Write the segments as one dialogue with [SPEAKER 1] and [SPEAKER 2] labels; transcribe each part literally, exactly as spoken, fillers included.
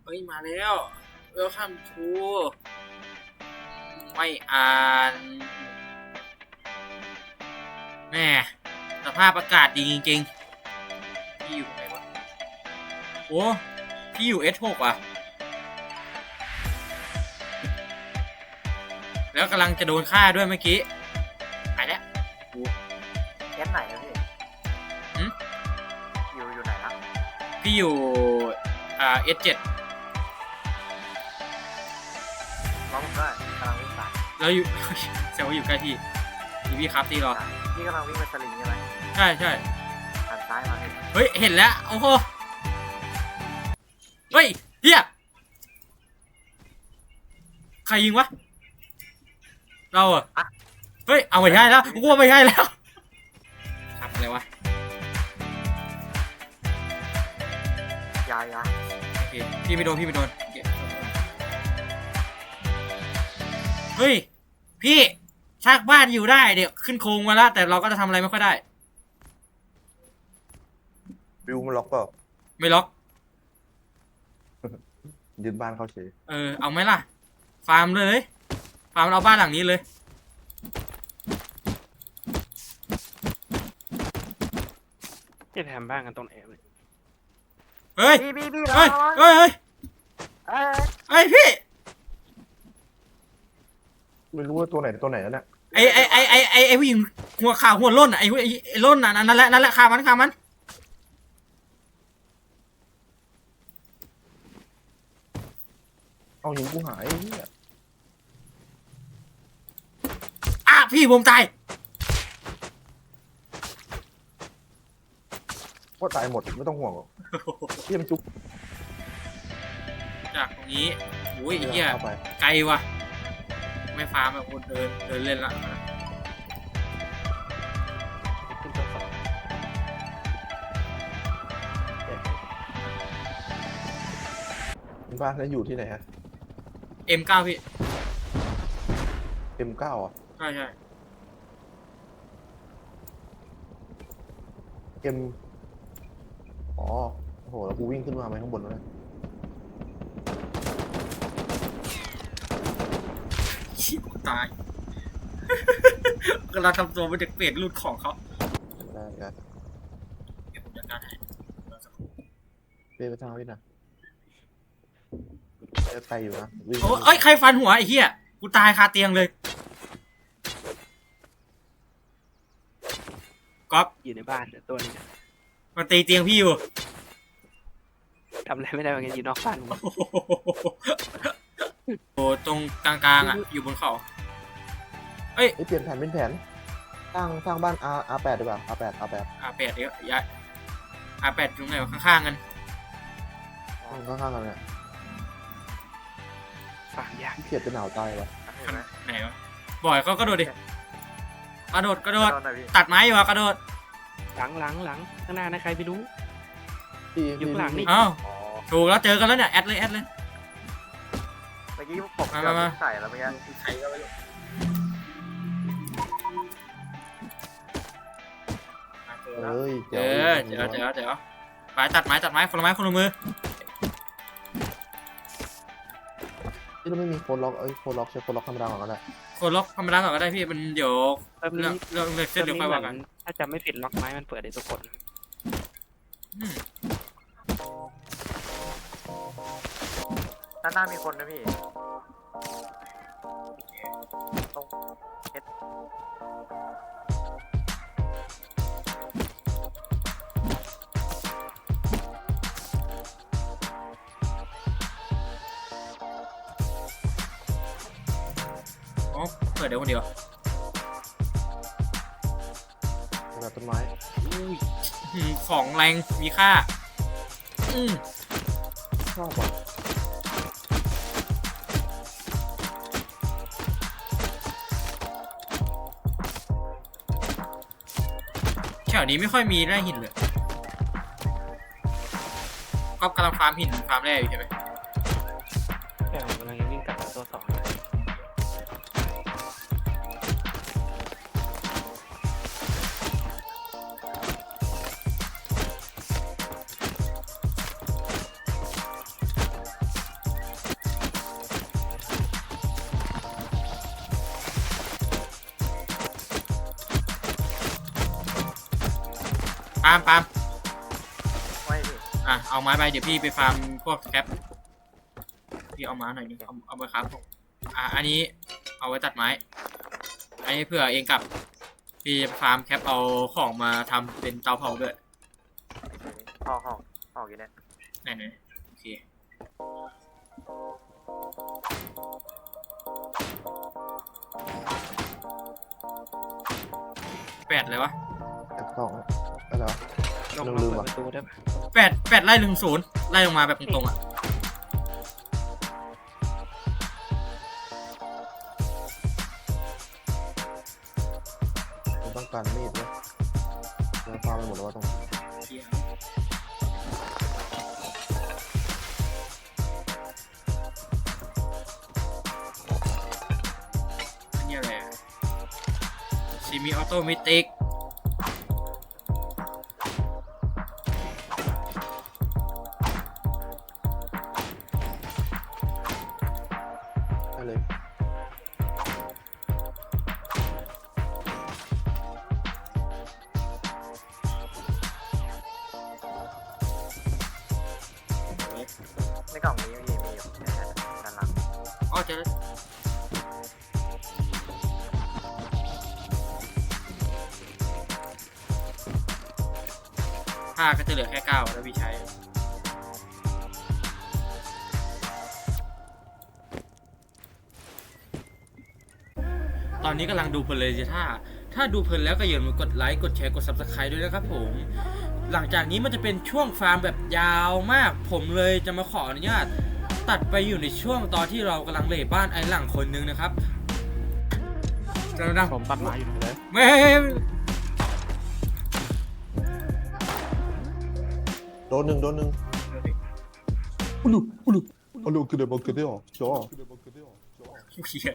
[SPEAKER 1] เฮ้ยมาแล้ว Welcome to ไม่อ่าน แม่สภาพอากาศดีจริงๆพี่อยู่ไหนวะโอ้พี่อยู่ เอส หก อ่ะแล้วกำลังจะโดนฆ่าด้วยเมื่อกี้ไปแล้ว
[SPEAKER 2] เอสไหนอะพี่อยู่อยู่ไหนนะ
[SPEAKER 1] พี่อยู่อ่า เอส เจ็ด
[SPEAKER 2] ร้องผมได้กำลังวิ่งสาย
[SPEAKER 1] แล้วอยู่ แซวว่าอยู่ใกล้พี่พี่พี่ครับตีรอ
[SPEAKER 2] พี่กำลังวิ่งไปสลิงใช่ไหม
[SPEAKER 1] ใช่ใช่
[SPEAKER 2] หันซ้ายมา
[SPEAKER 1] เฮ้ยเห็นแล้วโอ้โหเฮ้ยเฮียใครยิงวะเราอะเฮ้ยเอาไม่ใช่แล้วกูว่าไม่ใช่แล้วทำอะไรวะ
[SPEAKER 2] ยายา
[SPEAKER 1] โอเคพี่ไม่โดนพี่ไม่โดนเฮ้ยพี่ชากบ้านอยู่ได้เดี๋ยวขึ้นโครงมาแล้วแต่เราก็จะทำอะไรไม่ค่อยได้
[SPEAKER 3] วิวมันล็อกเปล่า
[SPEAKER 1] ไม่ล็อก
[SPEAKER 3] ยึดบ้านเขาเฉย
[SPEAKER 1] เออเอาไหมล่ะฟาร์มเลยฟาร์มเอาบ้านหลังนี้เลย
[SPEAKER 4] จะทำบ้านกันตรงไหนเลย
[SPEAKER 1] เฮ้ย
[SPEAKER 2] พี่พี่พี่
[SPEAKER 1] เฮ้ยเฮ้ยเฮ้ยเฮ้ยพี่
[SPEAKER 3] ไม่รู้ว่าตัวไหนตัวไหนแล้วเนี่ย
[SPEAKER 1] ไอไอไอไอไอไอผู้หญิงหัวขาวหัวล้นอ่ะไอไอล้นอ่ะนั่นแหละนั่นแหละขามันขามัน
[SPEAKER 3] เอาหิงกูหายเนี่ย
[SPEAKER 1] อ่ะพี่ผมตาย
[SPEAKER 3] ว่าตายหมดไม่ต้องห่วงหรอกเยี่ยมจุ๊บ
[SPEAKER 1] จากตรงนี้โอ้ยเหี้ยไกลว่ะไม่ฟาร์มแบบคนเดินเดินเล่นละ
[SPEAKER 3] บ้านนั้นอยู่ที่ไหนฮะ
[SPEAKER 1] เอ็ม เก้า พี่
[SPEAKER 3] เอ็ม เก้า อ่ะ
[SPEAKER 1] ใช่ใช่
[SPEAKER 3] เอ็มอ๋อโอ้โหแล้วกูวิ่งขึ้นมาไหมข้างบนแล้วเนี่ย
[SPEAKER 1] ชิบตายกำลังทำตัวเป็นเด็กเปรตรูดของเขา
[SPEAKER 3] ได้ครับ
[SPEAKER 1] เดี๋ยวผมจัดการให้
[SPEAKER 3] เดินไปทางนี้นะไกลอยู่นะ
[SPEAKER 1] โอ้เอ้ยใครฟันหัวไอ้เหี้ยกูตายคาเตียงเลยก๊อฟ
[SPEAKER 4] อยู่ในบ้านตัวนี้
[SPEAKER 1] มาตีเตียงพี่อยู่
[SPEAKER 4] ทำอะไรไม่ได้เหมือนกันอยู่นอกบ้าน
[SPEAKER 1] โอ้ตรงกลางๆอ่ะอยู่บนเขาเอ้ย
[SPEAKER 3] เปลี่ยนแผนเป็นแผนสร้างสร้างบ้าน R อาร์ แปด ดีกว่า อาร์ แปด อาร์ แปด
[SPEAKER 1] อาร์ แปด เดี๋ยวย้าย อาร์ แปด ตรงไหนวะข้างๆกัน
[SPEAKER 3] ข้างๆกันเนี่ย
[SPEAKER 4] ฝากยาก
[SPEAKER 3] เขียดจะหนาวตายวะ
[SPEAKER 1] ไหนวะบ่อยเขากระโดดดิกระโดดกระโดดตัดไม้อยู่อะกระโดด
[SPEAKER 4] หลังหลังหลังข้างหน้านะใครไปรู้
[SPEAKER 3] อยู่
[SPEAKER 4] หลังนี่
[SPEAKER 1] อ้าวถูกแล้วเจอกันแล้วเนี่ยแอดเลยแอดเลย
[SPEAKER 2] เมื่อกี้ผมจะใส่แล้วเมื่อกี้ใส่ก็ไม่รู้
[SPEAKER 3] เอ้ย
[SPEAKER 1] เดี๋ยวเดี๋ยวเดี๋ยวเดี๋ยวไปตัดไม้ตัดไม้คนละไม้คนละมือ
[SPEAKER 3] ที่เราไม่มีโคนล็อกเอ้ยโคนล็อกใช้โคนล็อกธรรมดาก่อนก็ได้
[SPEAKER 1] โคนล็อกธรรมดาก่อนก็ได้พี่มันเดี๋ยวเรื่องเรื่องเส้นเดี๋ยวค่อยว่ากัน
[SPEAKER 4] ถ้าจำไม่ผิดล็อกไม้มันเปิดได้ทุกคน
[SPEAKER 2] ด้านหน้ามีคนนะพี่ตรงเอส
[SPEAKER 1] เปิดเดี๋ยวคนเดียว
[SPEAKER 3] แบบต้นไม้
[SPEAKER 1] ของแรงมีค่าอืม
[SPEAKER 3] ชอบอ่ะ
[SPEAKER 1] แถวนี้ไม่ค่อยมีแร่หินเลยก็กำลังฟาร์มหินฟาร์มแร่อยู่ใช่ไหม
[SPEAKER 4] แต่ผมกำลังวิ่งกลับมาตัวสอง
[SPEAKER 1] ปาล์มปาล์ม
[SPEAKER 2] ไม่พี่
[SPEAKER 1] อ่ะเอาไม้ไปเดี๋ยวพี่ไปฟาร์มพวกแคปพี่เอาไม้หน่อยนึงเอาเอามาครับผมอ่ะอันนี้เอาไว้ตัดไม้อันนี้เผื่อเองกลับพี่ฟาร์มแคปเอาของมาทำเป็นเตาเผาด้วย
[SPEAKER 2] ห้องห้องห้องอยู่เนี่ย
[SPEAKER 1] ไหนไหนโอเคแปดเลยวะ
[SPEAKER 3] แอปสองอะไรวะ
[SPEAKER 4] ลง
[SPEAKER 3] ลื
[SPEAKER 4] มาม
[SPEAKER 3] ลืม
[SPEAKER 4] เปิด
[SPEAKER 3] ว่ะ
[SPEAKER 4] ประตูได้ปะ
[SPEAKER 1] แปดแปดไล่ถึงศูนย์ไล่ลงมาแบบตรงๆอ่ะ
[SPEAKER 3] ผมต้องการมีดนะเราฟาร์มไปหมดแล้วว่าตรงนี้
[SPEAKER 1] เหี้ยอันนี้อะไรอะซีมีออโตเมติก
[SPEAKER 3] ได้เลย
[SPEAKER 2] ในกล่องนี้มีมีอยู่เนี่ยด้านหลัง
[SPEAKER 1] อ๋อเจอแล้วผ้าก็จะเหลือแค่เก้าแล้วพี่ใช้ ตอนนี้กำลังดูเพลินเลยสิถ้า ถ้าดูเพลินแล้วก็อย่าลืมกดไลค์ กดแชร์ กด ซับสไครบ์ ด้วยนะครับผม หลังจากนี้มันจะเป็นช่วงฟาร์มแบบยาวมาก ผมเลยจะมาขออนุญาต ตัดไปอยู่ในช่วงตอนที่เรากำลังเลบ้านไอ้หลังคนนึงนะครับจะดัง
[SPEAKER 4] ผมตัดไม้อยู่เลย
[SPEAKER 1] ไม่
[SPEAKER 3] โดนหนึ่งโดนหนึ่งอุลุอุลุอุลุคือเดบอกคือเดียวจอ
[SPEAKER 1] เหี้ย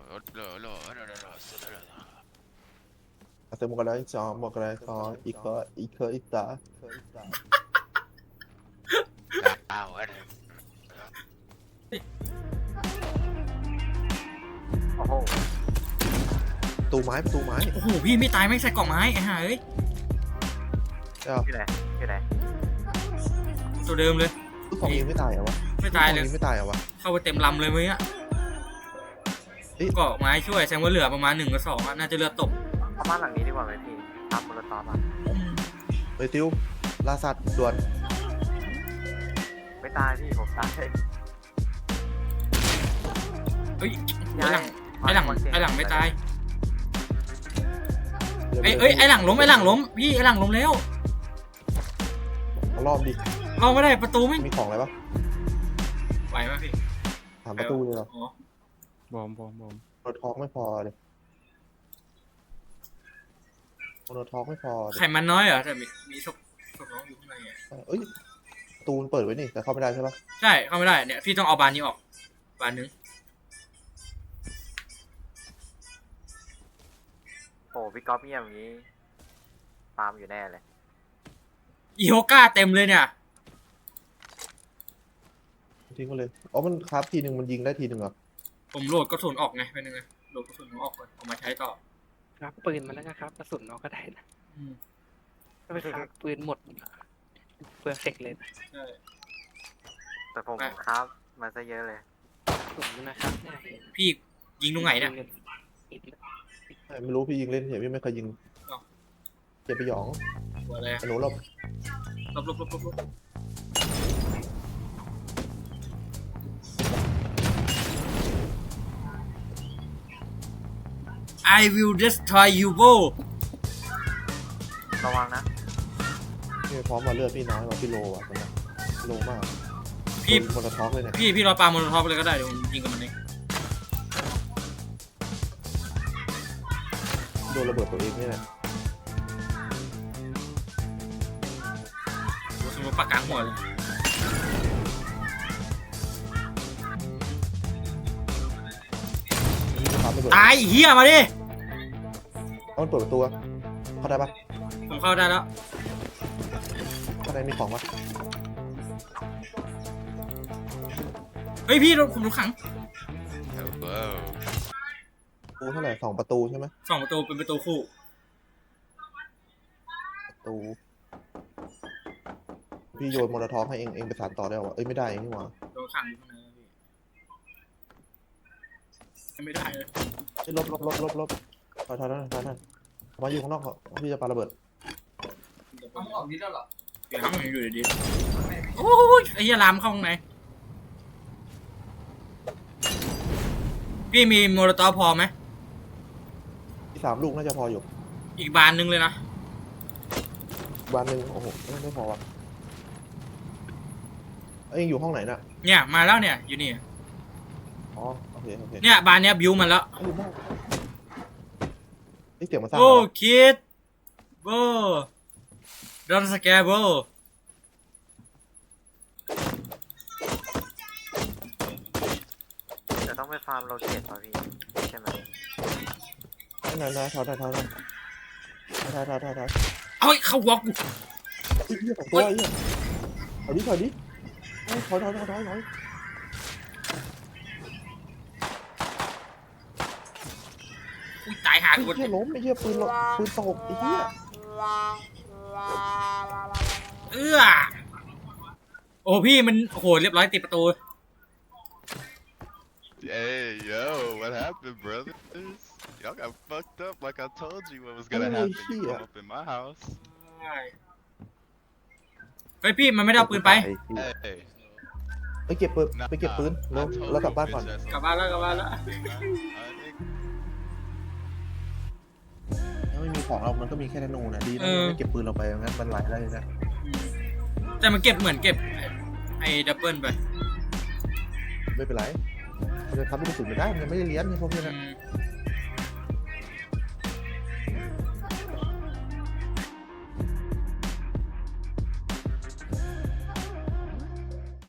[SPEAKER 3] อาเซมกันได้จอมกันได้จออีกก็อีกก็อีกตา
[SPEAKER 2] โอ้โห
[SPEAKER 3] ตูไม้ประตูไม้
[SPEAKER 1] โอ้โหพี่ไม่ตายไม่ใส่กล่องไม้ไอ้ห่าเอ้ย
[SPEAKER 3] เอ้า
[SPEAKER 2] อยู่ไหนอยู่ไหน
[SPEAKER 1] ตัวเดิมเลย
[SPEAKER 3] ลูกของยิงไม่ตายเหรอวะ
[SPEAKER 1] ไม่ตายเลย
[SPEAKER 3] ลูกของงไม่ตายเหรอวะ
[SPEAKER 1] เข้าไปเต็มลำเลยเมื่อกี้
[SPEAKER 3] เฮ้ย
[SPEAKER 1] เกาะไม้ช่วยแสดงว่าเหลือประมาณหนึ่งกับสองอะน่าจะเลือดตก
[SPEAKER 2] เอาบ้านหลังนี้ดีกว่าไหมพี่ตามโมโลตอฟอ่ะ
[SPEAKER 3] เฮ้ยติวล่าสัตว์ด่วน
[SPEAKER 2] ไม่ตายพี่ผมตาย
[SPEAKER 1] เฮ้ยไอ้หลังไอ้หลังไอ้หลังไม่ตายไอ้เอ้ยไอ้หลังล้มไอ้หลังล้มพี่ไอ้หลังล้มแล้ว
[SPEAKER 3] เอารอบดิ
[SPEAKER 1] เราไม่ได้ประตูไม่
[SPEAKER 3] มีของอะไรปะ
[SPEAKER 1] ไหวไหมพี่
[SPEAKER 3] ถามประตูเลยเหรอ
[SPEAKER 1] อ๋อบ
[SPEAKER 4] อมบอมบอม
[SPEAKER 3] โนทอกไม่พอเลยโนทอกไม่พอเลย
[SPEAKER 1] ไข่มันน้อยเหรอแต่มีมีศพศพน้องอยู่ข้างในอ่ะ
[SPEAKER 3] เอ้ยประตูมันเปิดไว้นี่แต่เข้าไม่ได้ใช่ปะ
[SPEAKER 1] ใช่เข้าไม่ได้เนี่ยพี่ต้องเอาบานนี้ออกบานนึง
[SPEAKER 2] โอ้พี่ก๊อฟเงียบอย่างนี้ตามอยู่แน่เลย
[SPEAKER 1] อีโฮก้าเต็มเลยเนี่ย
[SPEAKER 3] ทิ้งก็เลยอ๋อมันคราฟทีหนึ่งมันยิงได้ทีหนึ่งเหรอ
[SPEAKER 1] ผมโหลดกระสุนออกไงเป็นยังไงโหลดกระสุนออกก่อนเอามาใช้ต่อ
[SPEAKER 4] ครับปืนมาแล้วนะครับกระสุนเราก็ได้นะ
[SPEAKER 1] อืม
[SPEAKER 4] ถ้าไปครับปืนหมดเปลืองเสกเลยนะ
[SPEAKER 1] ใช่
[SPEAKER 2] แต่ผม
[SPEAKER 1] อ่ะ
[SPEAKER 2] ครับมาซะเยอะเลย
[SPEAKER 4] กระสุนนะครับเนี่ย
[SPEAKER 1] พี่ยิงตรงไหนเนี่ย
[SPEAKER 3] ไม่รู้พี่ยิงเล่นเฉยพี่ไม่เคยยิง
[SPEAKER 1] อ้าว
[SPEAKER 3] เจ็บไปหยอง
[SPEAKER 1] หัวอะไรอะ
[SPEAKER 3] ไอ้หนูหลบ
[SPEAKER 1] ลบลบลบลบลบ I will destroy you bro
[SPEAKER 2] ระวังนะ
[SPEAKER 3] พี่พร้อมมาเลือดพี่น้อยกว่าพี่โลอ่ะตอนนี้โลมาก
[SPEAKER 1] พี่
[SPEAKER 3] โดนโมโนทอกเลยเนี่ย
[SPEAKER 1] พี่พี่รอปาโมโนท็อปเลยก็ได้เดี๋ยวผมยิงกับมันเอง
[SPEAKER 3] โดนระเบิดตัวเองนี่แหละ
[SPEAKER 1] สมมติปากกลางหัวเลย
[SPEAKER 3] นี่ก็ทำระเบิด
[SPEAKER 1] ตายไอ้เฮียมาดิ
[SPEAKER 3] เอามันเปิดประตูอะเข้าได้ปะ
[SPEAKER 1] ผมเข้าได้แล้ว
[SPEAKER 3] ข้างในมีของปะ
[SPEAKER 1] เฮ้ยพี่โดนผมโดนขัง
[SPEAKER 3] ประตูเท่าไหร่สองประตูใช่ไหม
[SPEAKER 1] สองประตูเป็นประตูคู่
[SPEAKER 3] ประตูพี่โยนมอลทอฟให้เองเองไปสานต่อได้หรอเอ้ยไม่ได้เองนี่หว่า
[SPEAKER 1] โดนขังอยู่ข้างในแล้วพี่ไม่ได้เลย
[SPEAKER 3] เฮ้ยลบลบลบลบลบถอยถอยถอยถอยถอยมาอยู่ข้างนอกเขาพี่จะปาระเบิด
[SPEAKER 1] ต้องออกนิดแล้วหรอเดี๋ยวมันอยู่ดีๆโอ้ยไอ้เหี้ยลามเข้าข้างในพี่มีโมโลตอฟพอไหม
[SPEAKER 3] ที่สามลูกน่าจะพออยู่
[SPEAKER 1] อีกบานหนึงเลยนะ
[SPEAKER 3] บานหนึ่งโอ้โหไม่ไม่พอว่ะเอ้ยเองอยู่ห้องไหนน่ะ
[SPEAKER 1] เนี่ยมาแล้วเนี่ยอยู่นี่
[SPEAKER 3] อ๋อโอเคโอเค
[SPEAKER 1] เนี่ยบานเนี้ยบิวมันแล้ว
[SPEAKER 3] เอ้ยอยู่บ้านนี่เสียงมาสร้าง
[SPEAKER 1] โอ้
[SPEAKER 3] เหรอ
[SPEAKER 1] คิดโบดอนสแกร์โบ
[SPEAKER 2] จะต้องไปฟาร์มโลเกตป่ะพี่ใช่ไหม
[SPEAKER 3] นั่นนั่นถอยถอยถอยถอยถอยถอยถอยถอย
[SPEAKER 1] เอาไอ้เข้าวอล์ก
[SPEAKER 3] ไอ้เหี้ยสองตัวไอ้เหี้ยถอยดิถอยดิเอ้ยถอยถอยถอยถอยถอย
[SPEAKER 1] อุ้ยตายหา
[SPEAKER 3] ไอ้
[SPEAKER 1] กู
[SPEAKER 3] เหี้ยล้มไอ้เหี้ยปืนล้มปืนตกไอ้เหี้ย
[SPEAKER 1] เอื้อโอ้พี่มันโหเรียบร้อยติดประตู
[SPEAKER 5] Hey, yo, what happened, brothers? Y'all got fucked up like I told you what was gonna happen. You come up in my house.
[SPEAKER 1] เฮ้ยพี่มันไม่ได้เอาปืนไป
[SPEAKER 3] ไอ้เหี้ย
[SPEAKER 5] Hey,
[SPEAKER 3] ไปเก็บปืน
[SPEAKER 5] nah,
[SPEAKER 3] ไปเก็บปืน
[SPEAKER 5] I
[SPEAKER 3] แล้ว
[SPEAKER 5] told
[SPEAKER 3] แล้วกลับ
[SPEAKER 5] you
[SPEAKER 3] บ้านก่อน
[SPEAKER 5] bitch ass
[SPEAKER 1] กลับบ้านแล้วกลับบ้านแล้ว
[SPEAKER 5] nigga. I think
[SPEAKER 3] ถ้าไม่มีของเรามันก็มีแค่ธนูนะดีนะ
[SPEAKER 1] เออ
[SPEAKER 3] ไม่เก็บปืนเราไปงั้นมันไหลได้เลยนะ
[SPEAKER 1] แต่มันเก็บเหมือนเก็บไอ้ดับเบิลไป
[SPEAKER 3] ไม่เป็นไรมันจะทำให้กระสุนไม่ได้มันยังไม่ได้เลี้ยนไอ้พวกนี้
[SPEAKER 1] อื
[SPEAKER 3] นะ
[SPEAKER 1] ม